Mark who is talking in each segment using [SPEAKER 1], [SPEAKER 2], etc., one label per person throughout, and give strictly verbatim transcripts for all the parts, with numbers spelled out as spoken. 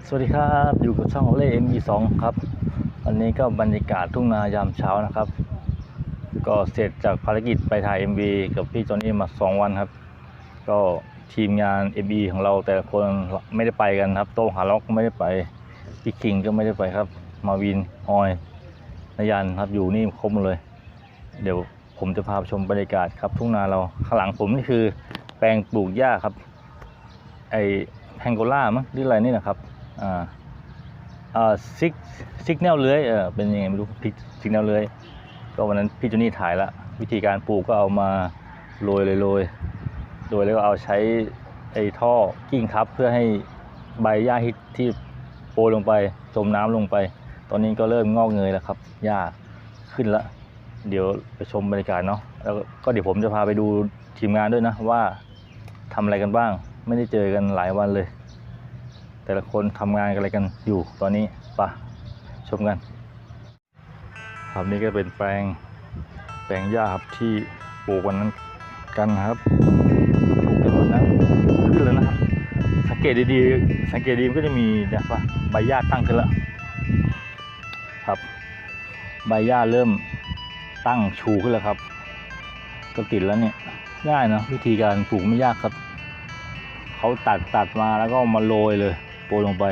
[SPEAKER 1] สวัสดีครับอยู่กับช่องโอเล่ เอ็ม อี สอง ครับวันนี้ก็บรรยากาศทุ่งนายามเช้านะครับก็เสร็จจากภารกิจไปถ่าย เอ็ม วี กับพี่จอนนี่มาสองวันครับก็ทีมงาน เอ็ม วี ของเราแต่ละคนไม่ได้ไปกันครับโต้งหาล็อกก็ไม่ได้ไปพี่คิงก็ไม่ได้ไปครับมาวินออยนายันครับอยู่นี่ครบหมดเลยเดี๋ยวผมจะพาไปชมบรรยากาศครับทุ่งนาเราข้างหลังผมนี่คือแปลงปลูกหญ้าครับไอแพงโกล่ามั้งหรืออะไรนี่นะครับอ่าอ่าซิกซิกแนลเลื้อยเออเป็นยังไงไม่รู้พิกซิกแนลเลื้อยก็วันนั้นพี่จูนี่ถ่ายละวิธีการปลูกก็เอามาโรยเลยโรยโรยแล้วก็เอาใช้ไอ้ท่อกิ้งทับเพื่อให้ใบหญ้าที่ที่โปรยลงไปจมน้ำลงไปตอนนี้ก็เริ่มงอกเงยแล้วครับหญ้าขึ้นละเดี๋ยวไปชมบรรยากาศเนาะแล้วก็เดี๋ยวผมจะพาไปดูทีมงานด้วยนะว่าทำอะไรกันบ้างไม่ได้เจอกันหลายวันเลยแต่ละคนทำงานกันอะไรกันอยู่ตอนนี้ปะชมกันครับนี่ก็เป็นแปลงแปลงหญ้าครับที่ปลูกวันนั้นกันครับปลูกกันวันนั้นขึ้นแล้วนะครับสังเกตดีๆสังเกตดีมันก็จะมีเนี่ยว่าใบหญ้าตั้งขึ้นแล้วครับใบหญ้าเริ่มตั้งชูขึ้นแล้วครับก็ติดแล้วเนี่ยง่ายนะวิธีการปลูกไม่ยากครับเขาตัดตัดมาแล้วก็มาโรยเลยโปรยลงไป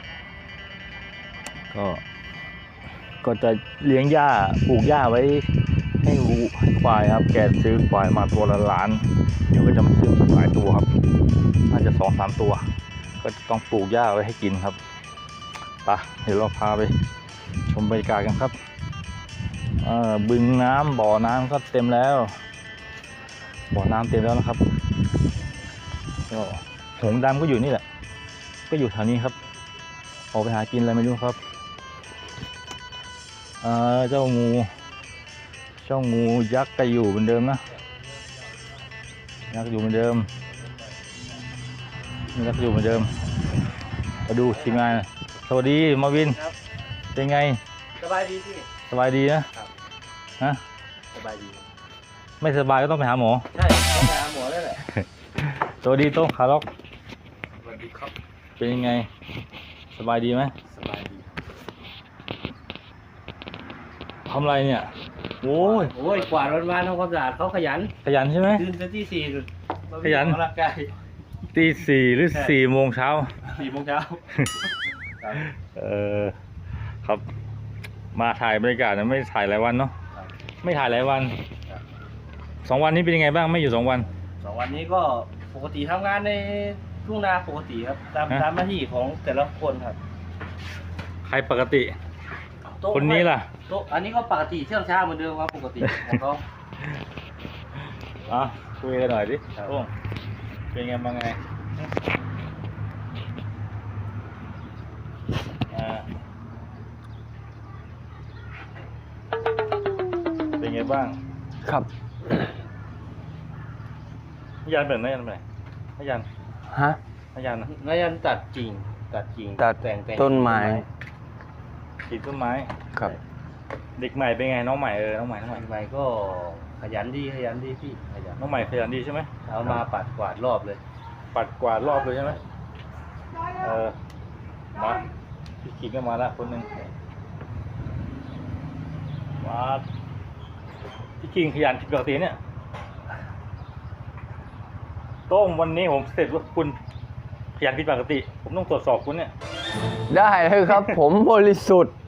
[SPEAKER 1] ก็ก็จะเลี้ยงหญ้าปลูกหญ้าไว้ให้วัวให้ควายครับแกซื้อควายมาตัวละล้านเดี๋ยวก็จะมาซื้อหลายตัวครับน่าจะสองสามตัวก็ต้องปลูกหญ้าไว้ให้กินครับไปเดี๋ยวเราพาไปชมบรรยากาศกันครับบึงน้ำบ่อน้ำก็เต็มแล้วบ่อน้ำเต็มแล้วนะครับก็หงส์ดำก็อยู่นี่แหละก็อยู่แถวนี้ครับออกไปหากินอะไรไม่รู้ครับเออเจ้างูเจ้างูยักษ์ก็อยู่เหมือนเดิมนะยักษ์อยู่เหมือนเดิมยักษ์อยู่เหมือนเดิมมาดูทีมงานสวัสดีมาวินเป็นไง
[SPEAKER 2] สบายดีพี่
[SPEAKER 1] สบายดีนะฮะ
[SPEAKER 2] สบายดี
[SPEAKER 1] ไม่สบายก็ต้องไปหาหมอ
[SPEAKER 2] ใช่ต้องไปหาหมอแล้วแหละ
[SPEAKER 1] สวัสดีโต้งขาล็อก
[SPEAKER 2] สวัสดีครับ
[SPEAKER 1] เป็นยังไงสบายดีไหม
[SPEAKER 2] สบายดี
[SPEAKER 1] ทำไรเนี่ยโอ้ย
[SPEAKER 2] โอ้ยกวาดวันๆทำความสะอาดเขาขยัน
[SPEAKER 1] ขยันใช่ไหม
[SPEAKER 2] ตื่นแต่ตีสี่
[SPEAKER 1] ขยัน
[SPEAKER 2] ออกกำลังกาย
[SPEAKER 1] ตีสี่หรือสี่โมงเช้า
[SPEAKER 2] สี่โมงเช้า
[SPEAKER 1] เออครับมาถ่ายบรรยากาศนะไม่ถ่ายหลายวันเนาะไม่ถ่ายหลายวันสองวันนี้เป็นยังไงบ้างไม่อยู่สองวัน
[SPEAKER 2] สองวันนี้ก็ปกติทำงานในทุ่งนาปกติครับตามตามหน้าที่ของแต่ละคนครับ
[SPEAKER 1] ใครปกติคนนี้ล่ะ
[SPEAKER 2] โต๊ะอันนี้ก็ปกติเชื่องช้าเหมือนเดิมครับปกติของเขา
[SPEAKER 1] อ่ะคุยกันหน่อยดิโอ้เป็นไงบ้างไงอ่าเป็นไงบ้าง
[SPEAKER 3] ครับ
[SPEAKER 1] ยันเป็นไหมยันเป็นไหมยัน
[SPEAKER 3] ฮะ
[SPEAKER 1] ยัน
[SPEAKER 2] นายันตัดจริงตัดจริง
[SPEAKER 3] ตัด
[SPEAKER 2] แต่งแต่ง
[SPEAKER 3] ต้นไม้
[SPEAKER 1] ติดต้นไม้
[SPEAKER 3] ครับ
[SPEAKER 1] เด็กใหม่เป็นไงน้องใหม่เออน้องใหม่น้องใหม่
[SPEAKER 2] ใหม่ก็ขยันดีขยันดีพี่ขยัน
[SPEAKER 1] น้องใหม่ขยันดีใช่ไหม
[SPEAKER 2] เอามาปัดกวาดรอบเลย
[SPEAKER 1] ปัดกวาดรอบเลยใช่ไหมเออมาพี่ขิงก็มาละคนหนึ่งมาพี่ขิงขยันผิดปกติเนี่ยโต้งวันนี้ผมเสร็จว่าคุณขยันผิดปกติผมต้องตรวจสอบคุณเนี่ย
[SPEAKER 3] ได้เลยครับ ผมบริสุทธิ์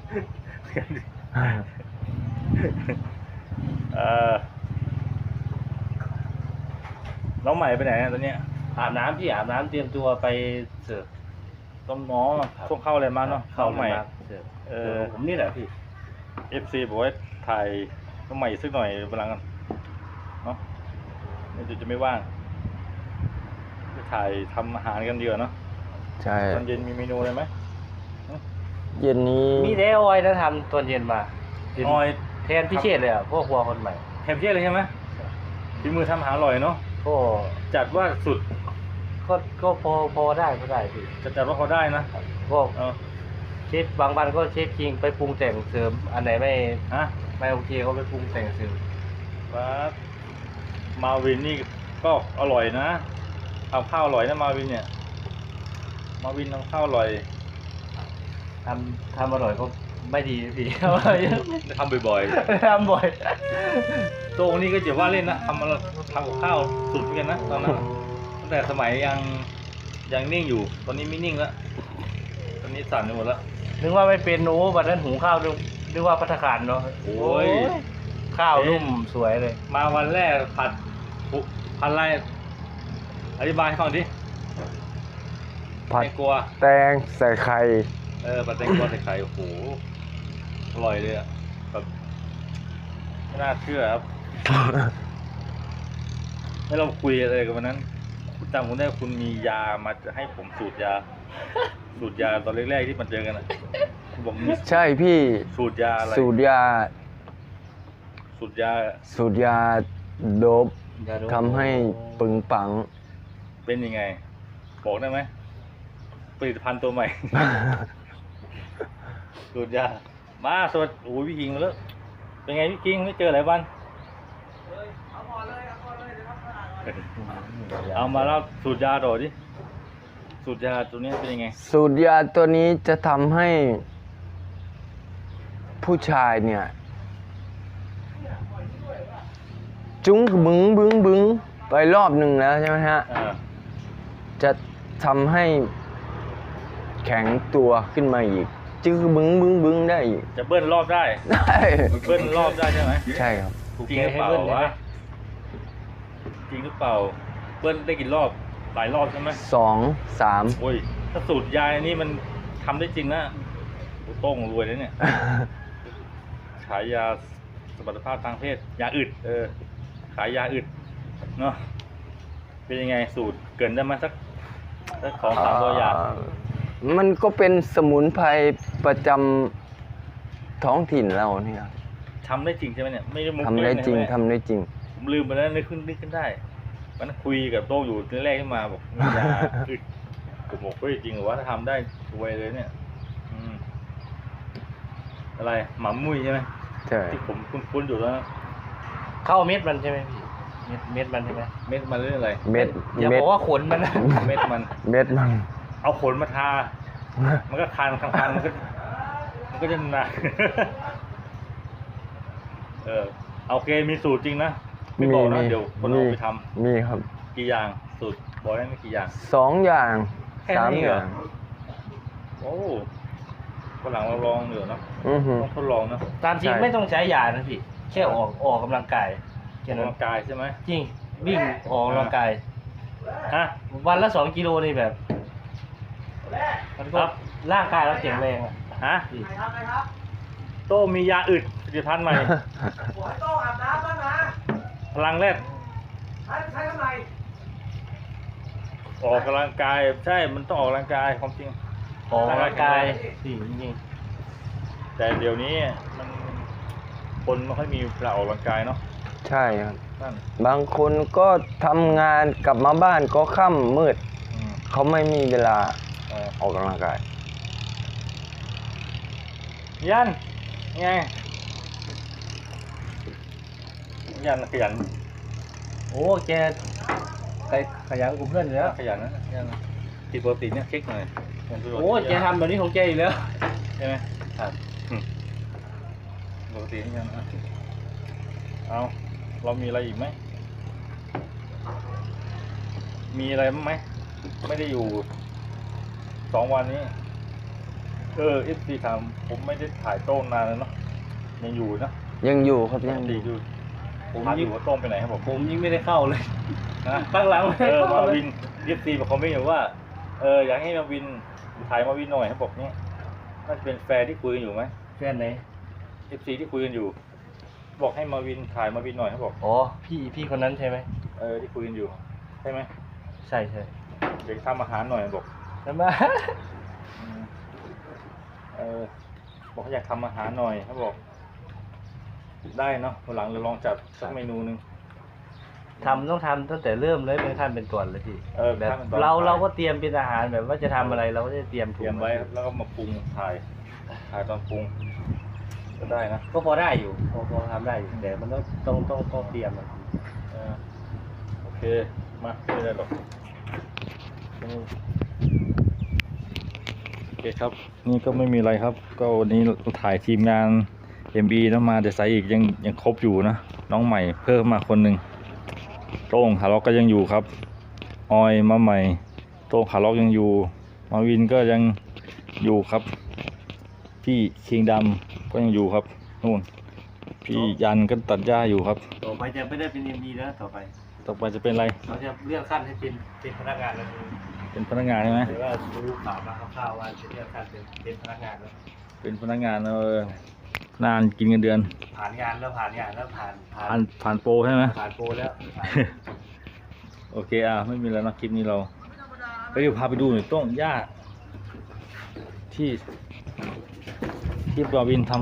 [SPEAKER 1] เออน้องใหม่ไปไหนตอนนี้
[SPEAKER 2] อาบน้ำพี่อาบน้ำเตรียมตัวไปเสิร์ฟ
[SPEAKER 1] ต้มน้องช่วงเข้าอะไรมาเนาะเข้าใหม่
[SPEAKER 2] เออผมนี่แหละพี่
[SPEAKER 1] เอฟซีบอกว่าถ่ายน้องใหม่สักหน่อยพลังกันเนาะนี่จะไม่ว่างจะถ่ายทำอาหารกันเดียวเนาะ
[SPEAKER 3] ใช่
[SPEAKER 1] ตอนเย็นมีเมนูอะไรไหม
[SPEAKER 3] เย็นนี้
[SPEAKER 2] มีเดออยนะทำตอนเย็นมา
[SPEAKER 1] ออย
[SPEAKER 2] แทนพิเชษเลยอ่ะพวกครัวคนใหม่
[SPEAKER 1] แทนพิเชษเลยใช่ไหมฝีมือทำอาหารอร่อยเนาะ
[SPEAKER 2] ก็
[SPEAKER 1] จัดว่าสุด
[SPEAKER 2] ก็ก็พอพอได้ก็ได้พี่
[SPEAKER 1] จะจัดว่าพอได้นะ
[SPEAKER 2] ก็เชฟบางวันก็เชฟคิงไปปรุงแต่งเสริมอันไหนไม่
[SPEAKER 1] ฮะ
[SPEAKER 2] ไม่โอเคก็ไปปรุงแต่งเสริม
[SPEAKER 1] ครับมาวินนี่ก็อร่อยนะทำข้าวอร่อยนะมาวินเนี่ยมาวินทำข้าวอร่อย
[SPEAKER 2] ทำทำอร่อยก็ไม่ดีพี่
[SPEAKER 1] ทำบ่อย
[SPEAKER 2] ทำบ่อย
[SPEAKER 1] ๆโตนี่ก็จะว่าเล่นนะทำมาทำกับข้าวสุดเหมือนกันนะตอนนั้นตั้งแต่สมัยยังยังนิ่งอยู่ ตอนนี้ไม่นิ่งแล้วตอนนี้สั่นไปหมดแล้ว
[SPEAKER 2] นึกว่าไม่เป็นโอ้วันนั้นหุงข้าวนึกนึกว่าภัตตาคารเนาะ
[SPEAKER 1] โอ้ย
[SPEAKER 2] ข้าวนุ่มสวยเลย
[SPEAKER 1] มาวันแรกผัดผัดอะไรอธิบายให้ฟังดิ
[SPEAKER 3] ผัด
[SPEAKER 1] แตงกวา
[SPEAKER 3] แตงใส่ไข่
[SPEAKER 1] เออผัดแตงกวาใส่ไข่โอ้โหอร่อยเลยอะแบบไม่น่าเชื่อครับ ให้เราคุยอะไรกันวันนั้นคุณจำผมได้คุณมียามาจะให้ผมสูตรยา สูตรยาตอนแรกๆที่มันเจอกันอะคุณบอกมี
[SPEAKER 3] ใช่พี่
[SPEAKER 1] สูตรยาอะไร
[SPEAKER 3] สูตรยา
[SPEAKER 1] สูตรยา
[SPEAKER 3] สูตรยาโดบทำให้ปึงปัง
[SPEAKER 1] เป็นยังไง บอกได้ไหมผลิตภัณฑ์ตัวใหม่ สูตรยามาสวัสดีโอ้ยพี่คิงมาแล้วเป็นไงพี่คิงไม่เจอหลายวันเอามาเล่าสูตรยาต่อดิสูตรยาตัวนี้เป็นยังไง
[SPEAKER 3] สูตรยาตัวนี้จะทำให้ ผู้ชายเนี่ย จุ้งบึ้งบึ้งบึ้งไปรอบหนึ่งแล้วใช่ไหมฮะ
[SPEAKER 1] อ่า
[SPEAKER 3] จะทำให้แข็งตัวขึ้นมาอีก จึงบึ้งบึ้งบึ้งได้อีก
[SPEAKER 1] จะเบิ้ลรอบได้
[SPEAKER 3] ได้
[SPEAKER 1] เบิ้ลรอบได้ใช่ไหม
[SPEAKER 3] ใช่ครับ
[SPEAKER 1] จริงหรือเปล่าวะจริงหรือเปล่าเบิ้ลได้กี่รอบหลายรอบใช่ไหม
[SPEAKER 3] สองสาม
[SPEAKER 1] โอ้ยถ้าสูตรยาอันนี้มันทำได้จริงนะโอ้โต้งรวยเลยเนี่ย ขายยาสมรรถภาพทางเพศยาอึดเออขายยาอึดเนาะเป็นยังไงสูตรเกรินได้ไหมสักสักสองสามตัวอย่าง
[SPEAKER 3] อ่ามันก็เป็นสมุนไพรประจำท้องถิ่นเราเนี่ย
[SPEAKER 1] ทำได้จริงใช่ไหมเนี่ยไม่ได้มุก
[SPEAKER 3] ทำได้จริง
[SPEAKER 1] เล่นใช่หม
[SPEAKER 3] ทำได้จริง
[SPEAKER 1] ผมลืมไปแล้วนึกขึ้นนึกขึ้นได้วันนั้นคุยกับโต้งอยู่ทีแรกขึ้นมาบอกมียาอึดผมบอกเฮ้ยจริงเหรอวะถ้าทำได้รวยเลยเนี่ย อืมอะไรหมามุ้ยใช่ไหม
[SPEAKER 3] ใช่
[SPEAKER 1] ที่ผมคุ้นๆอยู่แล้วนะ
[SPEAKER 2] เข้าเม็ดมันใช่ไหมพี่เม็ดเม็ดมันใช่ไหม
[SPEAKER 1] เม็ดมันเรื่องอะไร
[SPEAKER 3] เม็ด
[SPEAKER 2] อย่า
[SPEAKER 3] เม็
[SPEAKER 2] บ
[SPEAKER 3] ด
[SPEAKER 2] อกว่าขนมันนะ
[SPEAKER 1] เม็ดมัน
[SPEAKER 3] เม็ดมัน
[SPEAKER 1] เอาขนมาทา มันก็คันคันๆมันก็มันก็จะหนัก เออโอเคมีสูตรจริงนะไม่บอกนะเดี๋ยวคนเอาไปทำ
[SPEAKER 3] มีครับ
[SPEAKER 1] กี่อย่างสูตรบอกได้ไหมกี่อย่าง
[SPEAKER 3] สองอย่าง
[SPEAKER 1] แค่
[SPEAKER 3] สาม
[SPEAKER 1] นี้
[SPEAKER 3] อ
[SPEAKER 1] เหรอ
[SPEAKER 3] ย่าง
[SPEAKER 1] โอ้คนหลังเราลองเดี๋ยวนะ
[SPEAKER 3] อือหือ
[SPEAKER 1] ต้องทดลองนะ
[SPEAKER 2] ตามจริง
[SPEAKER 3] ใช่
[SPEAKER 2] ไม่ต้องใช้ยานะพี่แค่ออกออกกำลังกาย
[SPEAKER 1] อ
[SPEAKER 2] แค่
[SPEAKER 1] อก
[SPEAKER 2] นั้น
[SPEAKER 1] กำลังกายใช่ไหม
[SPEAKER 2] จริงวิ่งออกกำลังกาย
[SPEAKER 1] ฮะ
[SPEAKER 2] วันละสองกิโลนี่แบบมัน
[SPEAKER 1] ค
[SPEAKER 2] ก็
[SPEAKER 1] รับ
[SPEAKER 2] ร่างกายเราแข็งแรงอะ
[SPEAKER 1] ฮะ
[SPEAKER 2] พี่
[SPEAKER 1] โตมียาอึดผลิตภัณฑ์ใหม่
[SPEAKER 4] โต้อาบน้ำบ้างนะ
[SPEAKER 1] พลังแรด
[SPEAKER 4] ใช้ใช้ทำไม
[SPEAKER 1] ออกกำลังกายใช่มันต้องออกกำลังกายความจริง
[SPEAKER 2] ออกกำลังกายพี่จริง
[SPEAKER 1] แต่เดี๋ยวนี้มันคนไม่ค่อยมีเวลาออกกำลังกายเนาะ
[SPEAKER 3] ใช่ครับ
[SPEAKER 1] นั่น
[SPEAKER 3] บางคนก็ทำงานกลับมาบ้านก็ค่ำมืด
[SPEAKER 1] อืม
[SPEAKER 3] เขาไม่มีเวลา
[SPEAKER 1] เออ
[SPEAKER 3] ออกกำลังกาย
[SPEAKER 1] ยันไงยันขยัน
[SPEAKER 2] ๆโอ้แกไปขยันกับเพื่อนอยู่แล้ว
[SPEAKER 1] ขยันนะยันติดปกติเนี่ยเช็คหน่อยยันตัว
[SPEAKER 2] โอ้แกทำแบบนี้ของแกอยู่แล้ว
[SPEAKER 1] ใช่ไหมครับอืมปกตินี่ยันอ่ะเอาเรามีอะไรอีกไหมมีอะไรบ้างไหมไม่ได้อยู่สองวันนี้ เออเอฟซีถามผมไม่ได้ถ่ายโต้งนานแล้วเนาะยังอยู่นะ
[SPEAKER 3] ยังอยู่ครับยัง
[SPEAKER 1] ดี
[SPEAKER 3] อยู่
[SPEAKER 1] อยู่ผมถามอยู่ว่าโต้งไปไหนครับผม
[SPEAKER 2] ผมยิ่งไม่ได้เข้าเลย
[SPEAKER 1] นะ
[SPEAKER 2] ตั้งหลังไม่
[SPEAKER 1] เอ
[SPEAKER 2] ได้
[SPEAKER 1] อ
[SPEAKER 2] เข้า
[SPEAKER 1] มา
[SPEAKER 2] เลย
[SPEAKER 1] วินเอฟซีบอกเขาไม่อยู่ว่าเอออยากให้มาวินถ่ายมาวินหน่อยครับบอกเนี้ยน่าจะเป็นแฟร์ที่คุยกันอยู่ไหม
[SPEAKER 2] แฟนไหน
[SPEAKER 1] เอฟซีที่คุยกันอยู่ บอกให้มาวินถ่ายมาวินหน่อยครับบอก
[SPEAKER 2] อ๋อพี่พี่คนนั้นใช่ไหม
[SPEAKER 1] เออที่คุยกันอยู่ใช่ไหม
[SPEAKER 2] ใช่ใช่
[SPEAKER 1] เดี๋ยวทำอาหารหน่อยบอก
[SPEAKER 2] ใช่ไหม
[SPEAKER 1] อืมเออบอกเขาอยากทำอาหารหน่อยเขาบอก ได้เนาะวันหลังเราลองจัดสักเมนูหนึ่ง
[SPEAKER 2] ทำต้องทำตั้งแต่เริ่มเลยเป็นขั้นเป็นตอนเลยพี่
[SPEAKER 1] เออ
[SPEAKER 2] แบบ
[SPEAKER 1] ขั้นเป็นตอน
[SPEAKER 2] เราเราก็เตรียมเป็นอาหารแบบว่าจะทำอะไรเราก็จะเตรียม
[SPEAKER 1] เต
[SPEAKER 2] ถุ
[SPEAKER 1] รีย
[SPEAKER 2] ง
[SPEAKER 1] มไว้แล้วก็มาปรุงถ่ายถ่ายตอนปรุงก็ได้นะ
[SPEAKER 2] ก็พอได้อยู่พอพอทำได้อยู่แต่มันต้องต้องต้องต้องเตรียมอะ
[SPEAKER 1] เออโอเคมาไม่ได้หรอกเคครับนี่ก็ไม่มีอะไรครับ ก็วันนี้เราถ่ายทีมงาน เอ็ม บี นะมาแต่สายอีกยังยังครบอยู่นะน้องใหม่เพิ่มมาคนหนึ่งโต้งขาล็อกก็ยังอยู่ครับออยมาใหม่โต้งขาล็อกยังอยู่มาวินก็ยังอยู่ครับพี่คิงดำก็ยังอยู่ครับนู่นพี่ยันก็ตัดหญ้าอยู่ครับ
[SPEAKER 2] ต่อไปจะไม่ได้เป็นเอ็มดีแล้วต่อไป
[SPEAKER 1] ต่อไปจะเป็นอะไร
[SPEAKER 2] เราจะเลื่อนขั้นให้เป็นเป็นพนักงานแล้ว
[SPEAKER 1] เป็นพนักงานใช่ไหม
[SPEAKER 2] หรือว่ารู้ข่าวมาคร่าวๆว่าจะเลื่อนขั้นเป็นเป็นพนักงานแล้ว
[SPEAKER 1] เป็นพนักงานเออนานกินเงินเดือน
[SPEAKER 2] ผ่านงานแล้วผ่านงานแล้วผ่านผ่า
[SPEAKER 1] ผ่าน นผ่านโปรใช่ไหม
[SPEAKER 2] ผ่านโปรแล้ว
[SPEAKER 1] โอเคอ่ะไม่มีแล้วนะคลิปนี้เราไปเดี๋ยวพาไปดูหน่อยต้นหญ้าที่ที่บาวินทำ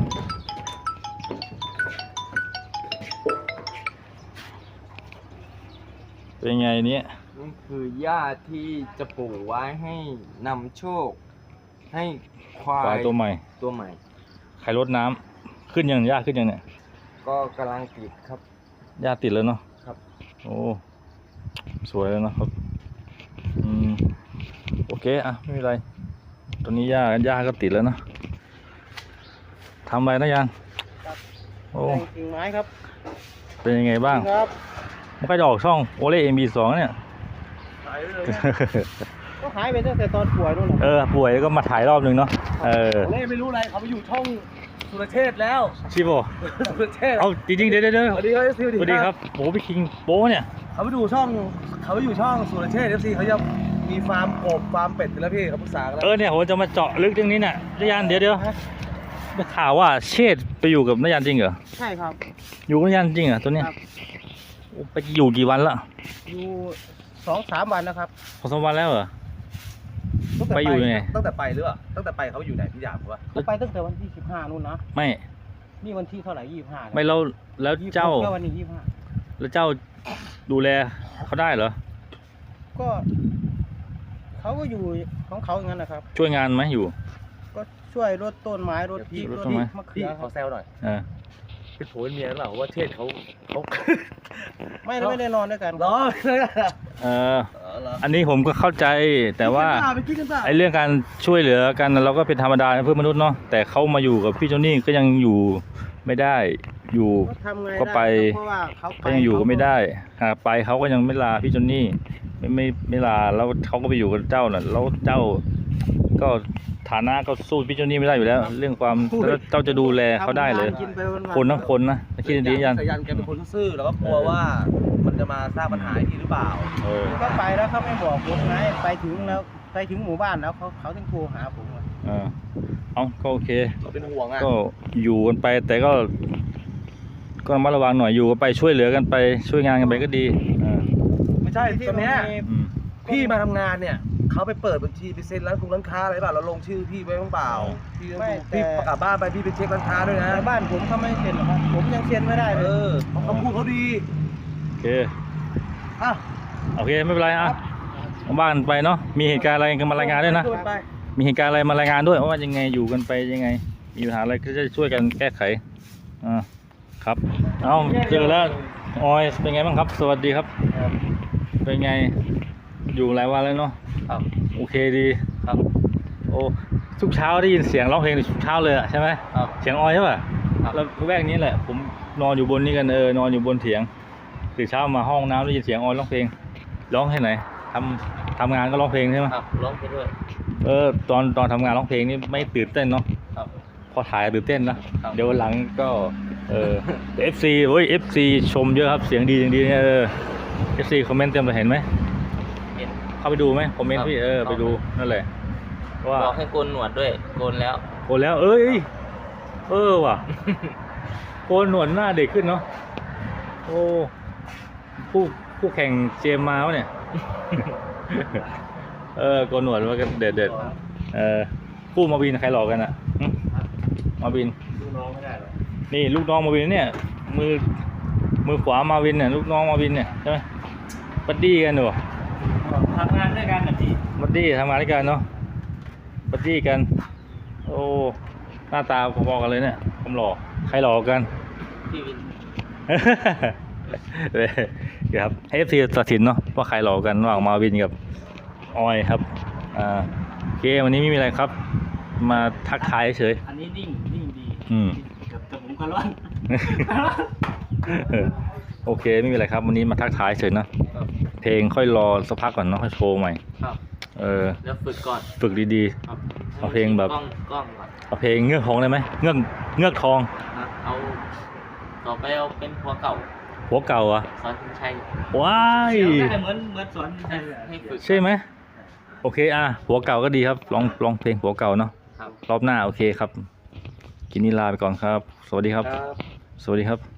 [SPEAKER 1] เป็นไงเนี้ย
[SPEAKER 3] นี่คือหญ้าที่จะปลูกไว้ให้นำโชค ให้ควา
[SPEAKER 1] ควาย
[SPEAKER 3] ย
[SPEAKER 1] ตัวใหม่
[SPEAKER 3] ตัวใหม่
[SPEAKER 1] ใครรดน้ำขึ้นยังหญ้าขึ้นยังเนี่ย
[SPEAKER 3] ก็กำลังติดครับ
[SPEAKER 1] หญ้าติดแล้วเนาะ
[SPEAKER 3] ครับ
[SPEAKER 1] โอ้สวยแล้วนะครับอืมโอเคอ่ะไม่เป็นไรตอนนี้หญ้าหญ้าก็ติดแล้วเนาะทำอะไรนะยันโอ้
[SPEAKER 2] กิ่งไม้ครับ
[SPEAKER 1] เป็นยังไงบ้าง
[SPEAKER 2] ครับ
[SPEAKER 1] มันก็จะออกช่องโอเล่เอ็มบีสองเนี่ย
[SPEAKER 2] หายไปเลยก็หายไปตั้งแต่ตอนป่วยนู่นแหละ
[SPEAKER 1] เออป่วยแล้วก็มาถ่ายรอบนึงเนาะเออ
[SPEAKER 2] เล่ไม่รู้อะไรเขาไปอยู่ช่องสุรเชษฐ์แล้ว
[SPEAKER 1] ชิโบ
[SPEAKER 2] สุรเชษฐ์
[SPEAKER 1] เอาจริงๆเดี๋ยวเดี๋ยวเดี๋ยว
[SPEAKER 2] สวัสดีครับเอฟซี
[SPEAKER 1] สวัสดีครับโอ้พี่คิงโป้เนี่ย
[SPEAKER 2] เขาไปดูช่องเขาไปอยู่ช่องสุรเชษฐ์เอฟซีเขาจะมีฟาร์มกบฟาร์มเป็ดกันแล้วพี่เขาปรึกษากันแล้ว
[SPEAKER 1] เออเนี่ยผมจะมาเจาะลึกเรื่องนี้น่ะนายยันเดี๋ยวเดี๋ยวได้ข่าวว่าเชษฐ์ไปอยู่กับนายยันจริงเหรอ
[SPEAKER 2] ใช่ครับ
[SPEAKER 1] อยู่กับนายยันจริงเหรอตัวเนี้ย
[SPEAKER 2] ครับ
[SPEAKER 1] โอ้ไปอยู่กี่วันละ
[SPEAKER 2] อยู่สองสามวันนะครับ
[SPEAKER 1] พอสองวันแล้วเหรอ
[SPEAKER 2] ตั้งแต่
[SPEAKER 1] ไปอยู่ยังไง
[SPEAKER 2] ตั้งแต่ไปหรือเปล่าตั้งแต่ไปเขาอยู่ไหนพี่ยามวะเขาไปตั้งแต่วันที่สิบห้านู่นนะ
[SPEAKER 1] ไม่
[SPEAKER 2] นี่วันที่เท่าไหร่ยี่สิบห้า
[SPEAKER 1] ไม่แล้วแล้วเจ้า
[SPEAKER 2] ก็วันนี้ยี่สิบห้า
[SPEAKER 1] แล้วเจ้าดูแลเขาได้เหรอ
[SPEAKER 2] ก็เขาก็อยู่ของเขาอย่างนั้นนะครับ
[SPEAKER 1] ช่วยงานไหมอยู่
[SPEAKER 2] ก็ช่วยรดต้นไม้รดพริก
[SPEAKER 1] ร
[SPEAKER 2] ร
[SPEAKER 1] ด
[SPEAKER 2] ด
[SPEAKER 1] ต้นไม้
[SPEAKER 2] มะเขือเขาแซวหน่อย
[SPEAKER 1] เออ
[SPEAKER 2] เป็นผัวเป็นเมียหรือเปล่าว่าเทศเขาเขา ไม่
[SPEAKER 5] เรา
[SPEAKER 2] ไม่ได้นอนด้วยกัน
[SPEAKER 5] รอ
[SPEAKER 1] เอออันนี้ผมก็เข้าใจแต่ว่า
[SPEAKER 5] ไปกินกันเปล่า
[SPEAKER 1] ไอ้เรื่องการช่วยเหลือกันเราก็เป็นธรรมดาเพื่อนมนุษย์เนาะแต่เขามาอยู่กับพี่โจนี่ก็ยังอยู่ไม่ได้อยู่
[SPEAKER 2] ก็ทำไง
[SPEAKER 1] ก็ไป
[SPEAKER 2] ด้เพราะว่าเขา
[SPEAKER 1] ก็ยังอยู่ก็ไม่ได้หากไปเขาก็ยังไม่ลาพี่โจนี่ไม่ไม่ไม่ลาแล้วเขาก็ไปอยู่กับเจ้าน่ะแล้วเจ้าก็ฐานะก็สู้พี่โจนี่ไม่ได้อยู่แล้ว เรื่องความแล้วเจ้าจะดูแลเขาได้เลย
[SPEAKER 2] กินไปวันๆ
[SPEAKER 1] คนทั้งคนนะคิดดีๆยัน
[SPEAKER 5] สายันแกเป็นคนซื่อแล้วก็กลัวว่ามันจะมาสร้างปัญหาให้พี่หรือเปล่า
[SPEAKER 1] เออ
[SPEAKER 2] ก็ไปแล้วเขาไม่บอกผมไงไปถึงแล้วไปถึงหมู่บ้านแล้วเขาเขาถึงโทรหาผมอะ
[SPEAKER 1] เออเอาก็โอเค
[SPEAKER 5] เราเป็นห่วงอ่ะ
[SPEAKER 1] ก็อยู่กันไปแต่ก็ ก็ระมัดระวังหน่อยอยู่กันไปช่วยเหลือกันไปช่วยงานกันไปก็ดีอ่า
[SPEAKER 5] ไม่ใช่ตอนเนี้ย
[SPEAKER 1] อืม
[SPEAKER 5] พี่มาทำงานเนี่ยเขาไปเปิดบัญชีไปเซ็นร้านคุงร้านค้าอะไรเปล่าเราลงชื่อพี่ไว้บ้างเปล่าพี่พี่ประกาศบ้านไปพี่ไปเช็คร้านค้าด้วยนะ
[SPEAKER 2] ในบ้านผมเขาไม่เซ็นหรอกครับผมยังเซ็นไม่ได้
[SPEAKER 5] เอ
[SPEAKER 2] เลย
[SPEAKER 5] อเขาพูดเขาดี
[SPEAKER 1] โอเค
[SPEAKER 5] อ่ะ
[SPEAKER 1] โอเคไม่เป็นไรอ่ะบ้านไปเนาะมีเหตุการณ์อะไรกันมารายงานด้วยนะ
[SPEAKER 5] ไป
[SPEAKER 1] มีเหตุการณ์อะไรมารายงานด้วยว่ายังไงอยู่กันไปยังไง มีปัญหาอะไรก็จะช่วยกันแก้ไขอ่าครับเอาเจอแล้วออยเป็นไงบ้างครับ สวัสดีครับ เป็นไงอยู่หลายวันแล้วเนาะ
[SPEAKER 5] ครับ
[SPEAKER 1] โอเคดี
[SPEAKER 5] ครับ
[SPEAKER 1] โอ้ทุกเช้าได้ยินเสียงร้องเพลงทุกเช้าเลยอะใช่ไหม
[SPEAKER 5] ครับ
[SPEAKER 1] เสียงออยใช่ป่ะ
[SPEAKER 5] ครับ
[SPEAKER 1] แล้วแวกนี้แหละ ผมนอนอยู่บนนี้กันเออนอนอยู่บนเถียงตื่นเช้ามาห้องน้ำได้ยินเสียงออยร้องเพลงร้องให้ไหนทำทำงานก็ร้องเพลงใช่ไหม
[SPEAKER 5] ครับร้องไปด้วย
[SPEAKER 1] เออตอนตอนทำงานร้องเพลงนี่ไม่ตื่นเต้นเนาะ
[SPEAKER 5] ครับ
[SPEAKER 1] พอถ่ายตื่นเต้นนะครับ เดี๋ยววันหลังก็เออเอฟซีเฮ้ยเอฟซีชมเยอะครับเสียงดีอย่างดีเนี่ยเออเอฟซีคอมเมนต์เต็มเลยเห็นไหม
[SPEAKER 6] เห็น
[SPEAKER 1] เข้าไปดูไหมคอมเมนต์พี่เออไปดูนั่นแหละว่า
[SPEAKER 6] บอกให้โกนหนวดด้วยโกนแล้ว
[SPEAKER 1] โกนแล้วเอ้ยเออว่ะโกนหนวดหน้าเด็กขึ้นเนาะโอ้ผู้ผู้แข่งเจมมาวะเนี่ย เออโกนหนวดว่ากันเด็ดเด็ดเออคู่มาวินใครหลอกกันอ่ะหึมาวิน
[SPEAKER 2] ดูน้องไม่ได้หรอก
[SPEAKER 1] นี่ลูกน้องมาวินเนี่ยมือมือขวามาวินเนี่ยลูกน้องมาวินเนี่ยใช่ไหมบัดดี้กันหนู
[SPEAKER 2] ทำงานด้วยกันนะพี่
[SPEAKER 1] บัดดี้ทำงานด้วยกันเนาะบัดดี้กัน โอ้หน้าตาพอๆกันเลยเนี่ยผมหล่อใครหล่อกัน
[SPEAKER 6] พี่วิน
[SPEAKER 1] เลยครับให้ เอฟ ซี ตัดสินเนาะว่าใครหล่อกันระหว่างมาวินกับออยครับอ่าโอเควันนี้ไม่มีอะไรครับมาทักทายเฉย
[SPEAKER 2] อันนี้นิ่งนิ่งดี
[SPEAKER 1] อืม
[SPEAKER 2] แต่แต่ผมก็ร้อน
[SPEAKER 1] เออโอเคไม่มีอะไรครับ วันนี้มาทักทายเฉยนะ
[SPEAKER 6] ครับ
[SPEAKER 1] เพลงค่อยรอสักพักก่อนเนาะค่อยโชว์ใหม่
[SPEAKER 6] ครับ
[SPEAKER 1] เออ
[SPEAKER 6] แล้วฝึกก่อน
[SPEAKER 1] ฝึกดี
[SPEAKER 6] ครับ
[SPEAKER 1] เอาเพลงแบบ
[SPEAKER 6] กล้องกล้องก่อน
[SPEAKER 1] ๆเอาเพลงเงือกทองได้ไหมเงือกเงือกทอง
[SPEAKER 6] นะเอาต่อไปเอาเป็นหัวเก่า
[SPEAKER 1] หัวเก่าอ่ะ
[SPEAKER 6] สอนคุณชัย
[SPEAKER 1] ว้าย
[SPEAKER 2] เสียงได้เหมือนเหมือนสอน
[SPEAKER 6] ให้
[SPEAKER 2] ให้
[SPEAKER 6] ให้ฝึก
[SPEAKER 1] ใช่ไหมโอเคอ่ะหัวเก่าก็ดีครับลองลองเพลงหัวเก่าเนาะ
[SPEAKER 6] ครับ
[SPEAKER 1] รอบหน้าโอเคครับกินนี้ลาไปก่อนครับ สวัสดีครับ
[SPEAKER 6] ครับ
[SPEAKER 1] สวัสดีครับ